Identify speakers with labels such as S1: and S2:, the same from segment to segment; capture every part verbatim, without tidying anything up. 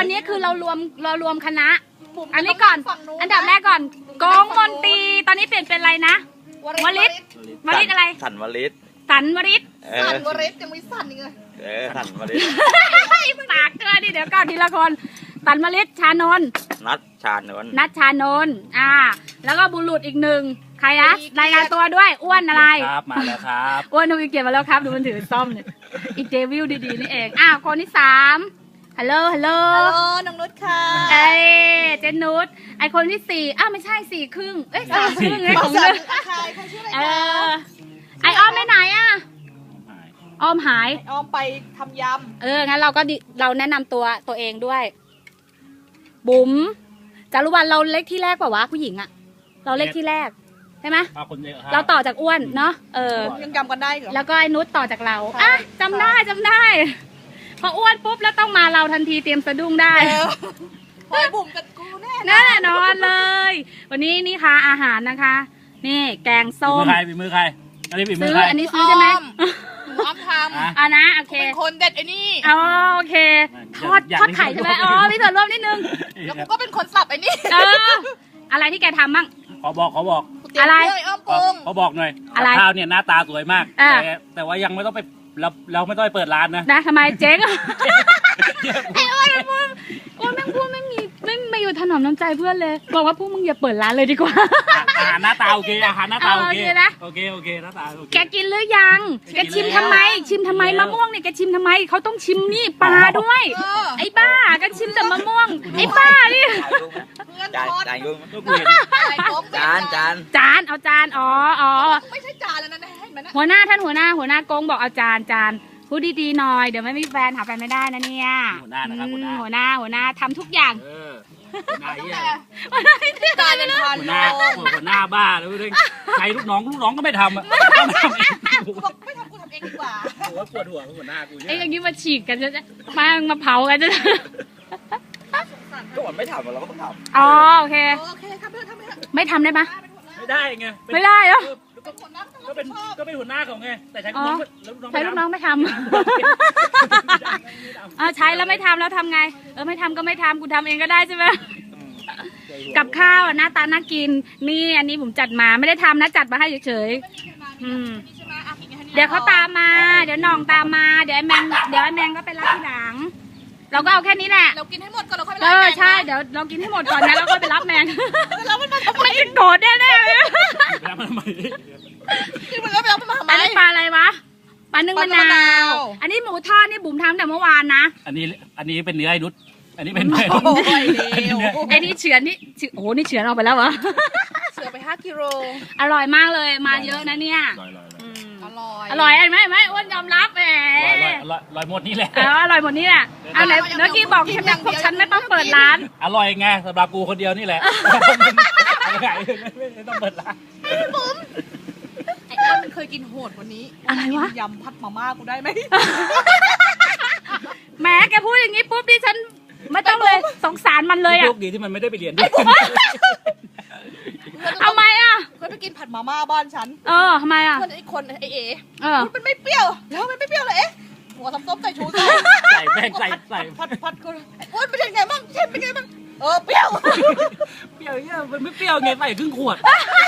S1: วันนี้คือเรารวมเรารวมคณะอันนี้ก่อนอันดับแรกก่อนกองมนตรีตอนนี้เปลี่ยนเป็นอะไรนะวลิตวลิตอะไร
S2: สันวลิต
S1: สันวลิต
S3: สันวลิตยังไม่สั่นอีกเลย
S2: เออสันวลิต
S1: ปากเกลือดิเดี๋ยวก่อนทีละคนสันวลิตชานนท์
S2: นัดชาญนวล
S1: นัทชานนท์อ่าแล้วก็บุรุษอีกหนึ่งใครนะรายงานตัวด้วยอ้วนอะไร
S4: ครับมาแล้วครับ
S1: อ้วนทวีเกียรติมาแล้วครับดูมันถือซ่อมเนี่ยอีกเดวิลดีๆนี่เองอ้าวคนที่สามฮัลโหลฮัลโหล
S3: ฮัลโหลน้องนุชค่ะ
S1: เอ้ยเจนนุชไอคนที่สี่อ้าวไม่ใช่สี่ครึ่งเอ้ยสามครึ่งไงของ
S3: สั
S1: เธ
S3: น
S1: อ
S3: ใครใครชื่ออะไร
S1: เอ
S3: คะ
S1: อไออ้อมไปไหนอ่ะอ้อมหาย
S3: ออมไปทำย
S1: เอองั้นเราก็ดิเราแนะนำตัวตัวเองด้วย บุ๋มจารุวรรณเราเล็กที่แรกกว่าวะผู้หญิงอะเราเล็กที่แรกใช่ไหม
S4: มาคนเยอะครับ
S1: เราต่อจากอ้วนเนาะเออ
S3: ำยังจำกันได้เหรอ
S1: แล้วก็ไอ้นุชต่อจากเรา
S3: ใช่
S1: อ่ะจำได้จำได้ พออ้วนปุ๊บแล้วต้องมาเราทันทีเตรียมสะดุ้งได้
S3: เออพอยบุ๋มกับกูแน่
S1: แน่นอนเลย วันนี้นี่ค่ะอาหารนะคะ นี่แกง
S4: ฝี
S1: ส้
S4: มื
S1: ม
S4: อใครฝีมือใครอันนี้ฝีมื
S1: ซื้
S4: อ
S1: อ
S4: ใคร
S1: อันนี้ซื้อใช่ไหม
S3: หนูอ้อมท
S4: อ่ะ
S1: อ่ะนะโอ
S3: ำ
S1: เค
S3: เป็นคนเด็ดไอ้นี่
S1: อ๋อโอเคทอด
S4: อยาก
S1: ทอดไข่ใช่ไหมอ๋อมีส่วนร่วมนิดนึง
S3: แล้วกูก็เป็นคนสับไอ้นี่
S1: เอออะไรที่แกทำบ้าง
S4: ขอบอกขอบอก
S3: กูเตยม
S1: อะไร
S3: เพื่อ้อมปรุง
S4: ขอบอกหน่อย
S1: อะไร
S4: ข้าวเนี่ยหน้าตาสวยมาก
S1: อ่ะ
S4: แต่แต่ว่ายังไม่ต้องไปเราเราไม่ต้องไปเปิดร้านนะ
S1: นะทำไมเจ๊งไอ้อ้วนมันพูดอ้วนแม่งพูดไม่มีไม่ไม่อยู่ถนอมน้ำใจเพื่อนเลยบอกว่าพวกมึงอย่าเปิดร้านเลยดีกว่า
S4: อาหารหน้าตาโอเคอาหารหน้าตาโอเค
S1: เอาโอเคนะ
S4: โอเคโอเคหน้าตาโอเค
S1: แกกินหรือยัง แกชิมทำไม ชิมทำไม
S4: กินแล้ว
S1: มะม่วงเนี่ยแกชิมทำไมเขาต้องชิมนี่ปลาด้วย
S3: เออ
S1: ไอ้บ้าแกชิมแต่มะม่วง ไอ้บ้านี่
S3: เพื่อน
S2: จาน
S3: ทอด
S2: จานยุ่ง
S4: ก็กูเห็น
S3: อะไรของ
S2: จานจาน
S1: จานเอาจานอ๋ออ๋อ
S3: ไม่ใช่จานแล้วนะเห็นไหมนะ
S1: หัวหน้าท่านหัวหน้าหัวหน้ากงบอกเอาจานจานพูดดีๆหน่อยเดี๋ยวไม่มีแฟนหาแฟนไม่ได้นะเนี่ย
S4: หัวหน้านะครับหัวหน้า
S1: อืมหัวหน้าหัวหน้าทำทุกอย่าง
S4: เออหัวหน้าเหี้ย
S1: หัวหน้าไม่ได้
S3: จานยังทาน
S4: หัว
S3: โ
S4: หน้าหัวหน้าบ้าแล้วเรื่องใครลูกน้องลูกน้องก็ไม่ทำอ่ะต้องทำเอง
S3: กูบอกไม่ทำกูทำเองดีกว่า
S4: หัวปวดหัวหัวหน้ากู
S1: ไอ้
S4: เนี่ย
S1: อย่างนี้มาฉีกกันจะมามาเผากันจะ
S2: ก็มันไม่ทำเราก็ต้องท
S1: อ๋อโอเค
S3: โอเคทำไปเถอะทำไปเถอะ
S1: ไม่ทำได้ปะ
S4: ไม่ได้ไงเป็น
S1: ไม่ได้เหรอ
S3: เป็นคนรัก
S4: ก็เป็น
S3: ชอบ
S4: ก็เป็นหัวหน้าเขาไงแต่ใช้ลูกน้องแล้วลูกน้อง
S1: ใช้ลูกน้องไม่ท
S4: ไม่
S1: ำ เออใช้แล้วไม่ทำแล้วทำไง เออไม่ทำก็ไม่ทำกูทำเองก็ได้ใช่ไหม
S4: ำ
S1: กับข้าวอ่ะหน้าตาน่ากิน นี่อันนี้ผมจัดมาไม่ได้ทำนะจัดมาให้เฉยๆอืมเดี๋ยวเขาตามมา เดี๋ยวน้องตามมา เดี๋ยวไอ้แมงเดี๋ยวไอ้แมงก็ไปรับทีหลัง เราก็เอาแค่นี้แหละ
S3: เรากินให้หมดก่อนเราค่อยไป
S1: เอ
S3: รับ
S1: อ
S3: แกง
S1: ใช่เดี๋ยวเรากินให้หมดก่อนนะแล้วก็ไปรับแมง
S3: แล้วมันมาทำไม
S1: มันจะโกรธแน่ๆเลย
S4: แล้วมันทำไม
S3: กินมันแล้วไปรับมันมาทำไม
S1: อันนี้ปลาอะไรวะปลานึ่งมะ
S3: ปลานึ่งมะ
S1: นาน
S3: าว ว
S1: อันนี้หมูทอดนี่บุ๋มทำแต่เมื่อวานนะ
S4: อันนี้อันนี้เป็นเนื้อไอ้นุชอันนี้เป็นเนื้อ
S3: โอ้ยเร็ว
S1: ไอ้นี่เฉือนนี่เฉือนโอ้โหนี่เฉือนออกไปแล้วเหรอ
S3: เสือไปห้ากิโล
S1: อร่อยมากเลยมาเยอะนะเนี่ย
S4: ลอยลอย
S1: อืม
S3: อร่อย
S1: อร่อยไหมไหมอ้วนยอมรับแหม
S4: ลอยลอยลอยหมดนี่แหละ
S1: เอออร่อยหมดนี่แหละเอาไหนเมื่อกี้บอกใช่ไหมพวกฉันไม่ต้องเปิดร้าน
S4: อร่อยไงสำหรับกูคนเดียวนี่แหละไม่ต้องเปิดร้าน
S3: ไอ้อ้วนมันเคยกินโหดกวันนี้
S1: อะไรวะ
S3: ยำพัดมาม่ากูได้ไหม
S1: แหมแกพูดอย่างนี้ปุ๊บดิฉันไม่ต้องเลยสงสารมันเลย
S4: โช
S1: อ่ะ
S4: คดีที่มันไม่ได้ไปเรียนด้วย
S1: เอาไหมอ่ะ
S3: เคยไปกินผัดมาม่าบ้านฉัน
S1: เออทำไมอ่ะ
S3: เพื่อนไอ้คนไอ้เอ๋
S1: เออ
S3: มันไม่เปรี้ยวแล้วมันไม่เปรี้ยวเลยเอ๊ะหัวทำส้มใส่ชูใส่
S4: ใส่แป้งใส่ใส่
S3: พัดพัดกูไอ้อ้วนเป็นไงบ้างเช่นเป็นไงบ้างเออเปรี้ยว
S4: เปรี้ยวเนี่ยมันไม่เปรี้ยวไงใส่ครึ่งขวด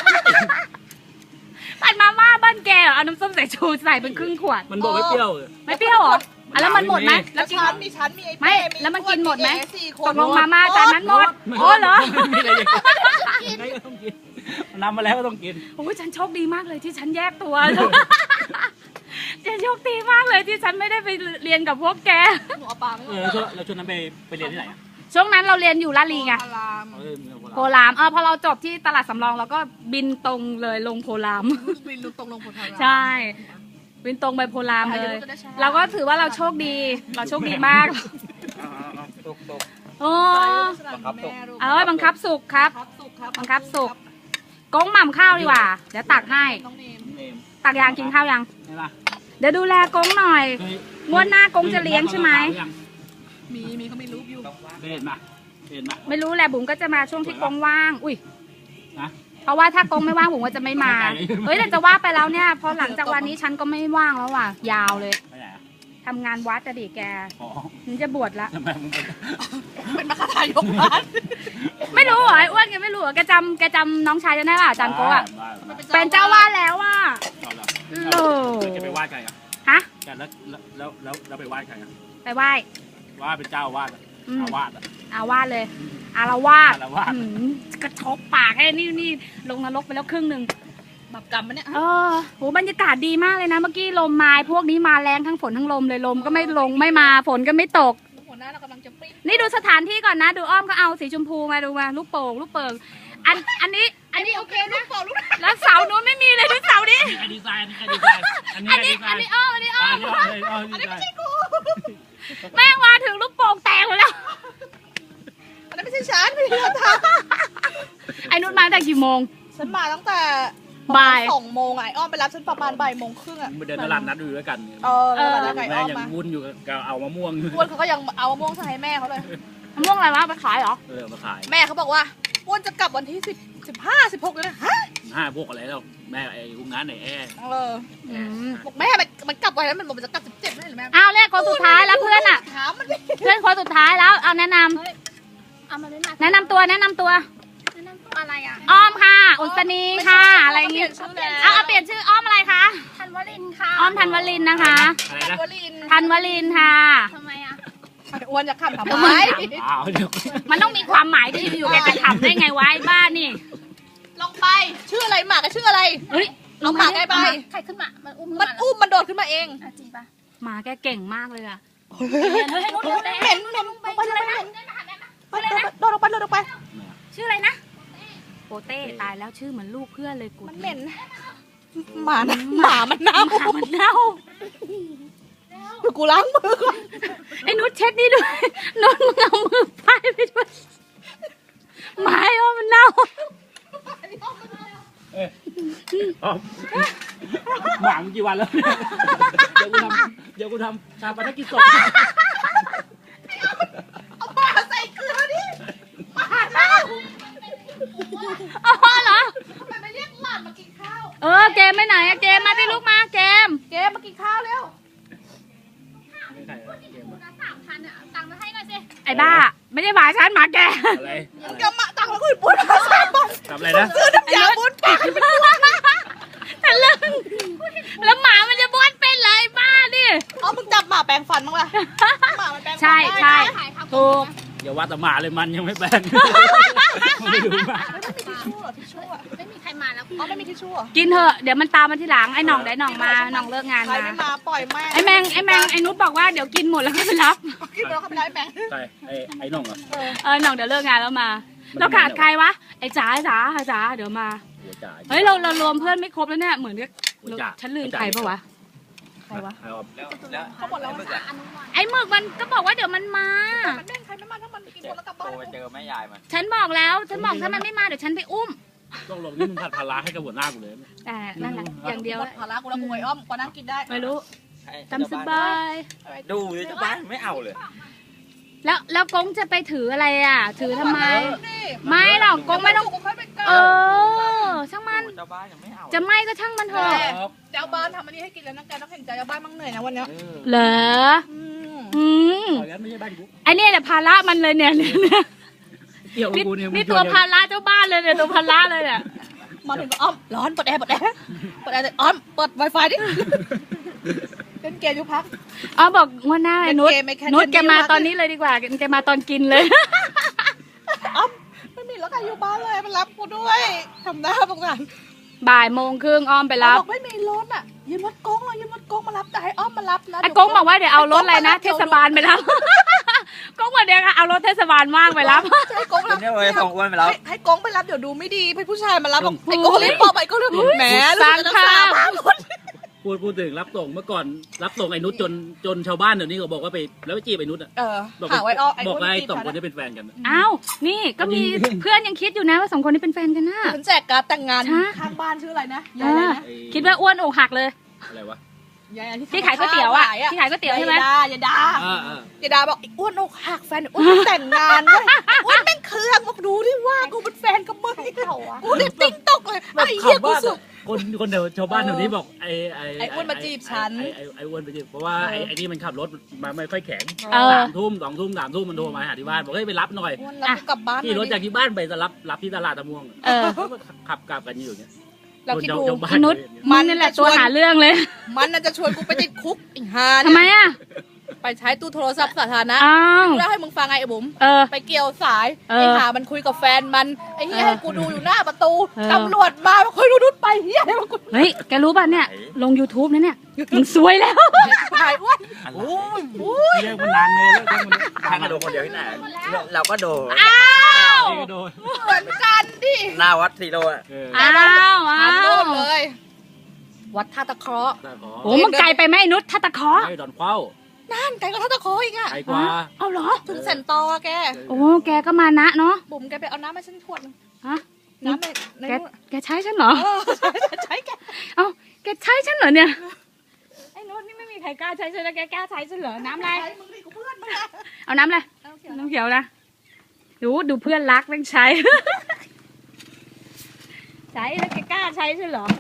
S1: ผัดมาม่าบ้านแกเหรอเอาน้ำส้มสายชูใส่เป็นครึ่งขวด
S4: มันบอกไม่เปรี้ยว
S1: ไม่เปรี้ยวเหรออ่ะแล้วมันหมดไหม
S3: แล้
S1: แล้ว วกิน
S3: ฉันมีฉันมีไอ้
S1: ไม่
S3: เป้
S1: แล้วมันกินหมดไหม
S3: เอ๋สี่ค
S1: ต
S3: น
S1: กลงมาม่าจานนั้นหมดโอ้เหรอ
S4: ไม่ได้ยังไงก็ต้องกินนำมาแล้วก็ต้องกิน
S1: โอ้ยฉันโชคดีมากเลยที่ฉันแยกตัว ฉันโชคดีมากเลยที่ฉันไม่ได้ไปเรียนกับพวกแก
S3: หนูเอาปลาไม่
S4: เอ
S3: หม
S4: อ
S3: ด
S4: แล้วช่วงแล้วช่วงนั้นไปไปเรียนที่ไหนอ่ะ
S1: ช่วงนั้นเราเรียนอยู่ลาดลีไง
S3: พาราม
S4: เออ
S1: โพลามเออพอเราจบที่ตลาดสำรองเราก็บินตรงเลยลงโพลาม
S3: บินตรงลงโพธาราม
S1: ใช่บินตรงไปโพลามเลย เราก็ถือว่าเราโชคดี เราโชคดีมาก
S2: ำตุกตุก
S1: โอ้
S3: บังคับสุก
S1: เอ้ยบังคับสุกครับ
S3: บังคับสุกครับ
S1: บังคับสุกกงหม่ำข้าวดีกว่า เดี๋ยวตักให้
S3: น้องเนม
S4: เนม
S1: ตักยางกินข้าวยัง
S4: ใช่ปะ
S1: เดี๋ยวดูแลกงหน่อย
S4: เคย
S1: งวดหน้ากงจะเลี้ยงใช่ไหม
S3: มีมีเขามีรูปอยู่
S4: เคยเห็นมาเคยเห็นมา
S1: ไม่รู้แหละบุ๋มก็จะมาช่วงที่กงว่าง อุ้ย
S4: นะ
S1: เพราะว่าถ้ากงไม่ว่างบุ๋มก็จะไม่มา เฮ้ยแต่จะว่าไปแล้วเนี่ย พอหลังจากวันนี้ฉันก็ไม่ว่างแล้วว่ะ ยาวเลย
S4: ไปไหนอ่ะ
S1: ทำงานวัดจะดิแก
S4: อ๋อ
S1: ฉันจะบวชละ
S4: ทำไมมึงไป
S3: เป็นมรรคทายกบ้าน
S1: ไม่รู้เหรอไอ้อ้วนแกไม่รู้เหรอแกจำแกจำน้องชายจะได้ป่ะอาจารย์โกะอะ
S4: ได้ได้
S1: เป็นเจ้าวาดแล้วอ่ะ
S4: เอาละ
S1: โล
S4: แล้วแกไปไหว้ใครอ่ะ
S1: ฮะ
S4: แกแล้วแล้วแล้วแล้วไปไหว้ใครอ่ะ
S1: ไปไหว้
S4: ว่าเป็นเจ้าอาวาดอ่ะ
S1: อืม
S4: อาวาดอ่ะ
S1: อาวาดเลย อารวาส
S4: อารวาส
S1: หืมกระทบปากไอ้นี่นี่ลงนรกไปแล้วครึ่งหนึ่ง
S3: แบบกรรมมันเนี่ย
S1: เออโหบรรยากาศดีมากเลยนะ เมื่อกี้ลมมาพวกนี้มาแรงทั้งฝนทั้งลมเลยลมก็ไม่ลงไม่มาฝนก็ไม่ตก
S3: หัวหน้าเรากำลังจะปริ้ง
S1: นี่ดูสถานที่ก่อนนะ ดูอ้อมก็เอาสีชมพูมาดูมาลูกโป่งลูกเปิงอันอันนี้อันนี้โอเค
S3: ลู
S1: นะ
S3: กโป่งลูก
S1: แล้วเสาโน้นไม่มีเลยดูเสานี้
S4: อันนี้ใครดีไซน์อันนี้ใครดีไซน์อันนี้
S1: อันนี้
S4: ใคร
S1: อัน
S4: ดี
S1: นี้
S4: ไซ
S1: อ้อม
S4: น์
S1: อันนี้อ้อม
S4: อันนี้ไม่ใช่กู
S1: แม่งมาถึงลูกโป่งแตกหมดแล้ว
S3: อันนั้นไม่ใช่ฉันไม่ใช่ท
S1: ไอ้นุชมาตั้งแต่กี่โมง
S3: ำฉันมาตั้งแต่
S1: บ่าย
S3: สองโมงไงอ้อมไปรับฉันประมาณบ่ายโมงครึ่งอ่ะ
S4: มาเดินตลาดนัดอยู่ด้วยกัน
S3: เออแล้วไก่
S4: แม่
S3: อ้อม
S4: ยัง
S3: มา
S4: วุ่นอยู่กับเอามะม่วง
S3: อ้วนเขาก็ยังเอามะม่วงใส่ให้แม่เขาเลย
S1: มะม่วงอะไรวะไปขายเหรอ
S4: เออมาขาย
S3: แม่เขาบอกว่าอ้วนจะกลับวันที่สิบสิบห้าสิบหกเลยนะฮะ
S4: ห้าพวกอะไรแล้วแม่ไอ้กุ้งงานไหนแอร์
S3: เออ
S1: อืม
S3: บอกแม่มันมันกลับวันนั้นมันบอกมันจะกลับสิบเจ็ดไม่ใช่หรือแม่
S1: อ้าวเลขคนสุดท้ายแล้วเพื่อนอ่ะ
S3: ถามมันดิ
S1: เพื่อนคนสุดท้ายแล้วเอาแนะนำ
S3: เอามาเลยนะ
S1: แนะนำตัวแนะนำตัว
S3: แนะนำตัวอะไรอ่ะ
S1: อ้อมค่ะ อุศนีค่ะ อะไรอย่างงี้
S3: เปลี่ยนชื่อแล้ว
S1: เอาเอาเปลี่ยนชื่ออ้อมอะไรคะ
S3: ธันวลินค่ะ
S1: อ้อมธันวลินนะคะ
S4: อะไร
S3: ธัน
S4: นะ
S3: วลิน
S1: ธันวลินค่ะ
S3: ทำไมอ่ะอ้วนจะขำทำ
S1: ทำ
S3: ไม
S1: ไม
S4: อ้าวเดี๋ยว
S1: มันต้องมีความหมายที่อยู่แกจะทำได้ไงวะไอ้บ้านนี่
S3: ลงไปชื่ออะไรหมากก็ชื่ออะไร
S1: เฮ้ย
S3: เอาหมากได้ไป
S5: ใครขึ้นมา มันอุ้ม
S3: มันอุ้มมันโดดขึ้นมาเอง
S5: อ่ะจริงปะ
S1: หมาแกเก่งมากเลยอะ
S3: เหม็นเหม็นลงไปเลยนะโดดลงไปโดดลงไป
S1: ชื่ออะไรนะโปเต้ตายแล้วชื่อเหมือนลูกเพื่อนเลยกู
S3: มันเหม็นหมานะหมามันเน่า
S1: หมามันเน่า
S3: เดี๋ยวกูล้างมือก่อน
S1: ไอ้นุชเช็ดนี่ด้วยนุชมึงเอามือป้ายไปด้วยหมาไอ้อ้อมมันเน่า
S4: อ๋อหวังกี่วันแล้วเดี๋ยวกูทำเดี๋ยวกูทำชาปนกิจศพ
S3: เอาหมาใส่เกลือดิหมาเน่า
S1: อ๋อเหรอ
S3: ทำไมไม่เรียกหลานมากินข้าว
S1: เออเกมไปไหนอะเกมมาที่ลูกมาเกม
S3: เกมมากินข้าวเร็ว
S5: สามพันอ่ะตังค์มาให้หน่อยสิ
S1: ไอ้บ้า ไม่ได้หมาฉันหมาแก
S4: อะไร
S3: มึงจะมาตังค์แล้วกูปุ้นมาสามบาท
S4: ทำอะไรนะ
S3: ซื้อน้ำยาบุญปาก
S1: ทะลึ่งแล้วหมามันจะบ้วนเป็นเลยบ้าดิ
S3: เอามึงจับหมาแปรงฟันมั้งล่ะหมามันแปรงฟัน
S1: ใช่ใช่
S5: ถ่ายทำ
S1: ถูก
S4: อย่าว่าแต่หมาเลยมันยังไม่แปลงไม่ดูหมา
S3: ไม่มีทิชชู่เหรอทิชชู่อ่ะ
S5: ไม่มีใครมาแล้ว
S3: อ๋อไม่มีทิชชู่เหรอ
S1: กินเถอะเดี๋ยวมันตามมาทีหลังไอ้หน่องได้หน่องมาหน่องเลิกงาน
S3: ใคร
S1: มา
S3: ไม่มาปล่อยแม่
S1: ไอ้แมงไอ้แมงไอ้นุชบอกว่าเดี๋ยวกินหมดแล้วก็ไปรับ
S3: กินไปแล้วเขาไปไล่แมง
S4: ใครไอ้ไอ้น้องเหรอ
S1: เออหน่องเดี๋ยวเลิกงานแล้วมาเราขาดใครวะไอ้จ๋าไอ้จ๋าไอ้จ๋าเดี๋ยวมา
S4: หัวจ่าย
S1: เฮ้ยเราเรารวมเพื่อนไม่ครบแล้วเนี่ยเหมือนกับ
S4: หัวจ่าย
S1: ฉันลืมใครปะวะ
S3: ใครวะ
S4: เอา
S2: แล้วแล้ว
S3: เขาบอกแล้ว
S2: ไอ้
S3: ว่า
S2: มึกอะ
S1: ไอ้หมึกมันก็บอกว่าเดี๋ยวมันมา
S3: มันแม่งใครไม่มาถ้ามันกินคนแล้วกลับ
S2: โท
S3: บ้าน
S2: รไปเจอแม่ยายมัน
S1: ฉันบอกแล้วฉันบอกถ้ามันไม่มาเดี๋ยวฉันไปอุ้ม
S4: ต้องลงนี่มึงผัดพาราให้กับหัวหน้ากูเลย
S1: แต่นั่นแหละอย่างเดียว
S3: ภาระกูแล้วกูไอ้อ้อมกูนั่งกินได้
S1: ไม่รู้
S2: ให้
S1: จำสบาย
S2: ดูดิเจ้าบ้านไม่เอาเลย
S1: แล้วแล้วกงจะไปถืออะไรอ่ะ ถือทำไม
S3: นี่
S1: ไม่หรอกกงไม่ต้อง
S3: กูค่อยไปเกิ
S1: เออ ช่างมัน
S2: เจ้าบ้านยังไม่เอา
S1: จะไม่ก็ช่างมันเถอะ
S3: เจ้าบ้านทำอันนี้ให้กินแล้วนะแกต้องเห็นใจเจ้าบ้านมั่งเหนื่อยนะวันเนี้ย
S2: เออ
S1: เหรอ
S3: อืม
S1: อืม
S4: ตอนนั้นไม่ใช่บ้านกู
S1: ไอเนี่ยแหละภาระมันเลยเนี่ยเนี่ยเนี่ย
S4: เกี่ยวกับ
S1: นี่
S4: กูเนี่ย
S1: นี่ตัวภาระเจ้าบ้านเลยเนี่ยตัวภาระเลยเนี่ย
S3: มาถึงก็อ้อมร้อนเปิดแอร์เปิดแอร์เปิดแอร์เลยอ้อมเปิดไวไฟดิเล่นเกมอยู่พัก
S1: อ๋อบอกว่าหน้าไอ้นุช
S3: เล่นเกมไม่แค่
S1: นุชแกมา
S3: เล่นเกม
S1: ตอนนี้เลยดีกว่าแกมาตอนกินเลย
S3: อ้อมไม่มีรถใครอยู่บ้านเลยมารับกูด้วยทำหน้าสงสาร
S1: บ่ายโมงครึ่งอ้อมไปรับ
S3: บอกไม่มีรถอ่ะยืมรถกงเลยยืมรถกงมารับแต่ให้อ้อมมารับนะ
S1: ไอ้กงบอกว่าเดี๋ยวเอารถอะไรนะเทศบาลไปรับ กงบอกเดี๋ยวเอารถเทศบาลว่างไปรับ
S3: ให้กง
S2: เดี๋
S3: รั
S2: ยว
S3: บ
S2: นี้เลยส่งอ้วนไปแล้ว
S3: ให้ให้กงไปรับเดี๋ยวดูไม่ดีให้ผู้ชายมารับบอกไอ้กงรีบบอกไปก็เลยแหม
S1: สร้างภาพ
S4: พูดพูดถึงรับส่งเมื่อก่อนรับส่งไอ้นุชจนจนชาวบ้านเดี๋ยวนี้ก็บอกว่าไปแล้วไปจีบไอ้นุชอ่ะ
S3: เออ
S4: บอก
S3: หาไว้อ้อไอ้
S4: บอก
S3: คน
S4: ว่าไอ้
S3: ที่
S4: สองคน
S3: จี
S4: นี้เป็นแฟนกัน
S1: อ้าวนี่ก็มีเพื่อนยังคิดอยู่นะว่าสองคนนี้เป็นแฟนกันนะ
S3: ฉันแจกการ์ดแต่งงาน
S1: ฮะ
S3: ข้างบ้านชื่ออะไรนะ
S1: เอย
S3: ายอะไร
S1: อ
S3: นะ
S1: คิดว่าอ้วนอกหักเลย
S4: อะไรวะ
S3: ยายอะไร
S1: ที่ขายก๋วยเตี๋ยวอ่ะที่ขายก๋วยเตี๋ยวใช่ไหม
S3: ยายดายายดา
S4: อ่าอ่า
S3: ยายดาบอกไอ้อ้วนอกหักแฟนไอ้อ้วนแต่งงานเว้ยไอ้อ้วนแม่งเครื่องบอกดูที่ว่ากูเป็นแฟนกับมึงกูเนี่ยติ้งตกเลยไอ้เหี้ยกูสวย
S4: คนคนเดียวชาวบ้านแถวนี้บอกไอ้ไอ้
S3: ไอ้อ้วนมาจีบฉัน
S4: ไอ้ไอ้ไอ้อ้วนมาจีบเพราะว่าไอ้ไอ้นี่มันขับรถมาไม่ค่อยแข็ง
S1: เออ
S4: สามทุ่มสองทุ่มสามทุ่มมันโทรมาหาที่บ้านบอกเฮ้ยไปรับหน่อย
S3: อ้วนรับกูกลับบ้านหน่
S4: ขี่
S3: อย
S4: รถ
S3: ดิ
S4: จากที่บ้านไปจะรับรับที่ตลาดตะม่วง
S1: เออ
S4: ขับกลับกันอยู่อย่างเงี้ย
S3: เราคิดดู
S4: ชาวบ้า
S1: นุช
S3: มั
S1: มัน นนี่แหละตัวหาเรื่องเลย
S3: มันน่ะจะชวนกูไปติดคุกอีกฮา
S1: ทำไมอ่ะ
S3: ไปใช้ตู้โทรศัพท์สาธารณะ
S1: อ้าว
S3: แล้วให้มึงฟังไงไอ้บุ๋ม
S1: เออ
S3: ไปเกี่ยวสาย
S1: เออ
S3: ไอ้หามันคุยกับแฟนมันไอ้เหี้ย
S1: เออ
S3: ให้กูดูอยู่หน้าประตู
S1: เออ
S3: ตำรวจมาบอกเฮ้ยดูนุชไปเหี้ยให้มันกู
S1: เฮ้ย แกรู้ป่ะเนี่ย ลง YouTube นะเนี่ย มึงซวยแล้ว
S3: ถ่ายอ้วน
S2: อะไร
S4: โอ้ยโอ้ยเรียกมันนานเลยแล้วเรียกมัน
S2: ทางกระโดดคนเดียวที่ไหนเราก็โดด
S1: อ้าว
S4: นี่ก็โดน
S3: เหมือนกันดิ
S2: หน้าวัดสีโลอะ
S4: เออ
S1: อ้าวอ้า
S3: ทำโน่
S1: วน
S3: เลย วัดท่าตะเคราะห์
S4: แต่ขอ
S1: โอ้มันไกลไปไหมไอ้นุชทัตตะเคอ
S4: ให้ดอนเข้า
S3: นั่นไกลกว่าท่าตะเคราะห์อีกอะ
S4: ไกลกว่า
S1: เอาเหรอ
S3: ถึงเซนตออะแก
S1: โอ้ แกก็มานะเนาะ
S3: บุ๋มแกไปเอาน้ำมาฉันขวดนึง
S1: ฮะ
S3: น้ำในใน
S1: แก
S3: นู่น
S1: แกใช้ฉันเหรอ
S3: เออใช่ใช่แก
S1: เอ้า แกใช้ฉันเหรอเนี่ย ไอ้นุชนี่ไม่มีใครกล้าใช้ฉันแล้วแกกล้าใช้ฉันเหรอ น้ำอะไร
S3: ใช้มึงดิกูเพื่อนมึงอะ
S1: เอาน้ำอะไร
S3: เอาเขียว
S1: น้ำเขียวนะ ดูดูเพื่อนรักแม่งใช้ ใช้แล้วแกกล้าใช้ฉันเหรอ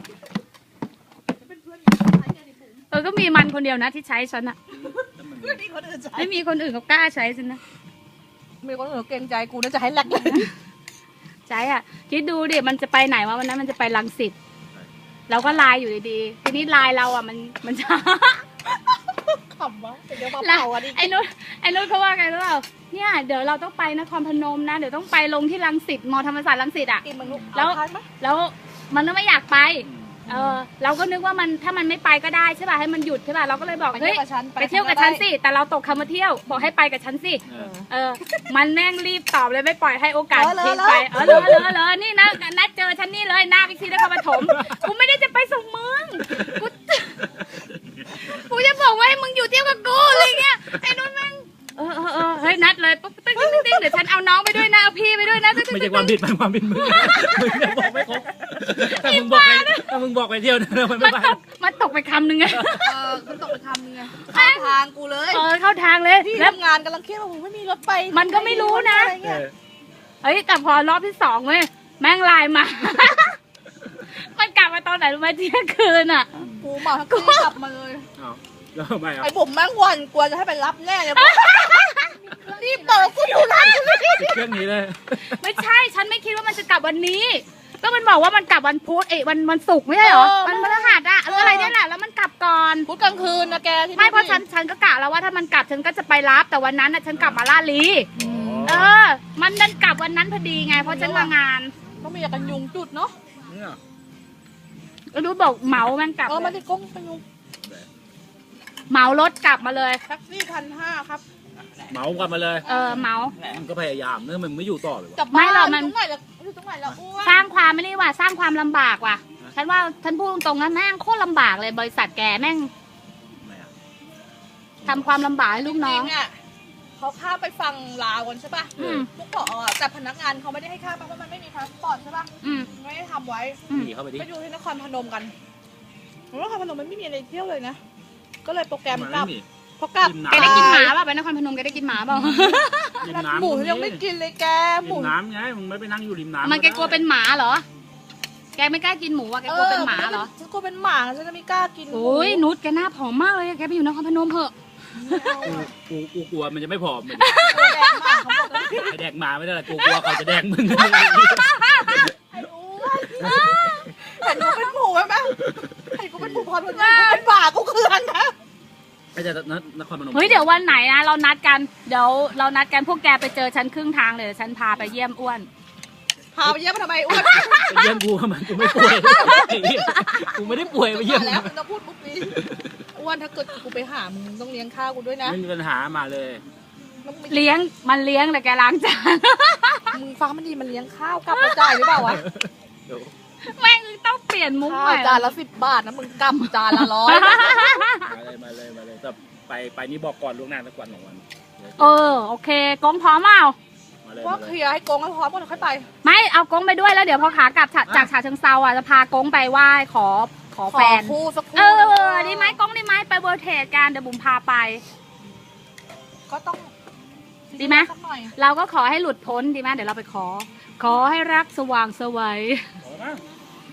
S1: เออ ก็มีมันคนเดียวนะที่ใช้ฉันอะ
S3: เพื่อนที่คนอื่นใช้
S1: ไม่มีคนอื่นเขากล้าใช้ฉันนะ
S3: มีคนอื่นเกรงใจกูน่าจะให้แลกเลย
S1: ใช่อ่ะ คิดดูดิ มันจะไปไหนวะวันนั้นมันจะไปรังสิตเราก็ไลน์อยู่ดีๆ ทีนี้ไลน์เราอ่ะมันมันช้า
S3: ขำวะเดี๋ยวมา
S1: แล้ว
S3: เผาอันนี้
S1: ไอ้นุชไอ้นุชเขาว่าไงรู้เปล่าเนี่ยเดี๋ยวเราต้องไปนครพนมนะ เดี๋ยวต้องไปลงที่รังสิตมอธรรมศาสตร์รังสิตอ่ะ
S3: กินมึงลูก
S1: แล้ว
S3: เอาทานไหม
S1: แล้วมันก็ไม่อยากไป เออ เราก็นึกว่ามันถ้ามันไม่ไปก็ได้ใช่ป่ะให้มันหยุดใช่ป่ะเราก็เลยบอก
S3: ไป
S1: เฮ้
S3: เที่ย
S1: ยว
S3: กับฉัน
S1: ไปเที่ยวกับฉันสิแต่เราตกคำว่าเที่ยวบอกให้ไปกับฉันสิ
S4: เออ
S1: เออ มันแม่งรีบตอบเลยไม่ปล่อยให้โอกาส
S3: เออเลย
S1: ทิ้งไป เออเลยเลยเลยนี่นะนัดเจอฉันนี่เลยหน้าวิกซีนครปฐมกูไม่ได้จะไปส่งมึง กู กูจะบอกว่าให้มึงอยู่เที่ยวกับกูอะไรเงี้ย ไอ้นุ่นแม่ง เออเออเออเฮ้ยนัดเลยปุ๊บติ๊งติ๊งติ๊งเดี๋ยวฉันเอาน้องไปด้วยนะเอาพี่ไปด้วยนะ
S4: ไม่ใช่ความผิดมันความผิดมึงมึงเนี่ยบอกไม่ครบถ้ามึงบอกไปถ้ามึงบอกไปเที่ยวนะมัน
S1: มั
S4: ไม่
S1: น
S4: ไป
S1: ตกมันตกไปคำหนึ่งไง
S3: เออคุณตกไปทำไงเข้าทางกูเลย
S1: เออเข้าทางเลย
S3: ที่
S1: แล้ว
S3: ทำงานกำลังเครียดว่าผมไม่มีรถไป
S1: มันก็ไม่รู้นะ
S3: อไร
S4: เอ
S3: เงี้ย
S4: อ
S1: เฮ้ยแต่พอรอบที่สองเว้ยแม่งไลน์มา มันกลับมาตอนไหนรู้ไหมเที่ยงคืนอ่ะ
S3: กูมาทั้งคืนกลับมาเลย
S4: เอาแล้วทำไมอ่ะ
S3: ไอ้ผมแม่งวันกลัวจะให้ไปรับแน่เลยรีบเปิดกูอยู่ร้านกูเลย
S4: ติดเครื่องนี้เลย
S1: ไม่ใช่ ฉันไม่คิดว่ามันจะกลับวันนี้ ก็มันบอกว่ามันกลับวันพุธเอ้ยวันวันศุกร์ไม่ใช่เหรอ มันพฤหัสอะหรืออะไรเนี่ยแหละ แล้วมันกลับก่อน
S3: พูดกลางคืนนะแกที่
S1: ไม่เพราะฉันฉันก็กะแล้วว่าถ้ามันกลับฉันก็จะไปรับ แต่วันนั้นน่ะฉันกลับมาลาดลี เออ มันดันกลับวันนั้นพอดีไง เพราะฉันมางาน
S3: ต้องมีกันยุงจุดเนาะ
S4: เนี่ย
S1: ก็รู้บอกเหมาแม่งกลับ
S3: เออมันที่กงกันยุง
S1: เหมารถกลับมาเลย
S3: แท็กซี่พันห้าครับ
S4: เหมากลับมาเลย
S1: เออเหมา
S4: มันก็พยายามเนื่อมันไม่อยู่ต่อเลยวะ
S3: กลับ
S1: ไม่
S3: บ้าน
S1: หรอกมัน
S3: ตรงไหนละอยู่ตรงไหนละอ้วน
S1: สร้างความไม่ได้ว่าสร้างความลำบากว่ะ ฉันว่าฉันพูดตรงๆนะแม่งโคตรลำบากเลยบริษัทแกแม่ง
S4: ทำไมอ่ะ
S1: ทำความลำบากให้ลูกน้อง
S3: จริๆะเขาข้ามไปฟังลาวกันใช่ป่ะ
S1: อืม
S3: พวกเกาะอ่ะแต่พนักงานเขาไม่ได้ให้ข้ามเพราะมันไม่มีพาสปอร์ตใช่ป่ะ
S1: อืม
S3: ไม่ได้ทำไว้
S1: อืม
S4: หนีเข้าไปดิ
S3: ไปดูที่นครพนมกันนครพนมมันไม่มีอะไรเที่ยวเลยนะ ก็เลยโปรแกรม
S4: มัน
S3: กลั
S4: ไม่
S3: บ
S4: มี
S3: พอกลับ
S4: ริมน้ำ
S1: แกได้กินหมาเปล่าไปนครพนมแกได้กินหมาเปล่า
S4: ริมน้ำ
S3: หมูยังไม่กินเลยแกห
S4: ริ
S3: มู
S4: มน้ำไงมึงไม่ไปนั่งอยู่ริมน้ำ
S1: มันแกกลัวเป็นหมาเหรอ แกไม่กล้ากินหมูอ่ะแกกลัวเป็นหมาเหรอ
S3: ฉันกลัวเป็นหมาฉันจะไม่กล้ากิน
S1: โอ้ยนุชแกหน้าผอมมากเลยอะแกไปอยู่นครพนมเถอะ
S4: กูกูกูกลัวมันจะไม่ผอมเหมือน
S3: แดงมากเขาบอกเลย
S4: ไอแดกหมาไม่ได้หรอกกูกลัวเขาจะแดกมึง
S3: ไอ้อ้วนเห็นกูเป็นหมูไหมแม่เห็นกูเป็นหมูพอเป็นเป็นหมากูเคืองนะ
S4: ไอ้จะนครพนม
S1: เฮ้ยเดี๋ยววันไหนนะเรานัดกัน เดี๋ยวเรานัดกันพวกแกไปเจอฉันครึ่งทางเลยเดี๋ยวฉันพาไปเยี่ยมอ้วน
S3: พาไปเยี่ยมทำไมอ้วน
S4: ไปเยี่ยมกูทำไมกูไม่ป่วยไอ้เหี้ยกูไม่ได้ป่วยไปเยี่ยม
S3: แล้วมึงจะพูดปุ๊บนี้อ้วนถ้าเกิดกูไปหามึงต้องเลี้ยงข้าวกูด้วยนะ
S4: ไม่มีปัญหามาเลย
S3: มึงไม่
S1: เลี้ยงมันเลี้ยงแต่แกล้างจาน
S3: มึงฟังมันดีมันเลี้ยงข้าวกลับมาจ่ายหรือเปล่าวะ
S4: เดี๋ยว
S1: แม่งต้องเปลี่ยนมุ้ง
S3: ข้า
S1: ให
S3: ว
S1: ม่
S3: จานละสิบบาทนะมึงกำจานละร้อย
S4: มาเลยมาเลยมาเลยแต่ไปไปนี่บอกก่อนล่วงหน้าสักวันสองวัน
S1: เออโอเคกงพร้อมเปล่า
S4: มาเลย
S3: ว่า
S4: มา
S3: เค
S4: เลย
S3: ลียร์ให้โกงให้พร้อมก่อนค่อยไป
S1: ไม่เอากงไปด้วยแล้วเดี๋ยวพอขากลับจากจากฉะเชิงเซาอ่ะจะพากงไปไหว้ขอขอ
S3: ขอ
S1: แฟน
S3: คู่สักคู่
S1: เออดีไหมกงดีไหมไปเวิร์เทสกันเดี๋ยวบุ๋มพาไป
S3: ก็ต้อง
S1: ดีไหม
S3: สักน่อย
S1: เราก็ขอให้หลุดพ้นดีไหมเดี๋ยวเราไปขอ ขอให้รักสว่างไสวัย
S4: ขอมั้ง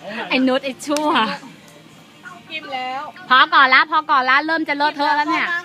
S1: ไอ้นุชไอ้ชั่ว
S3: กินแล้ว
S1: พอก่อนละพอก่อนละเริ่มจะเลอะเทอะแล้วเนี่ย
S3: มา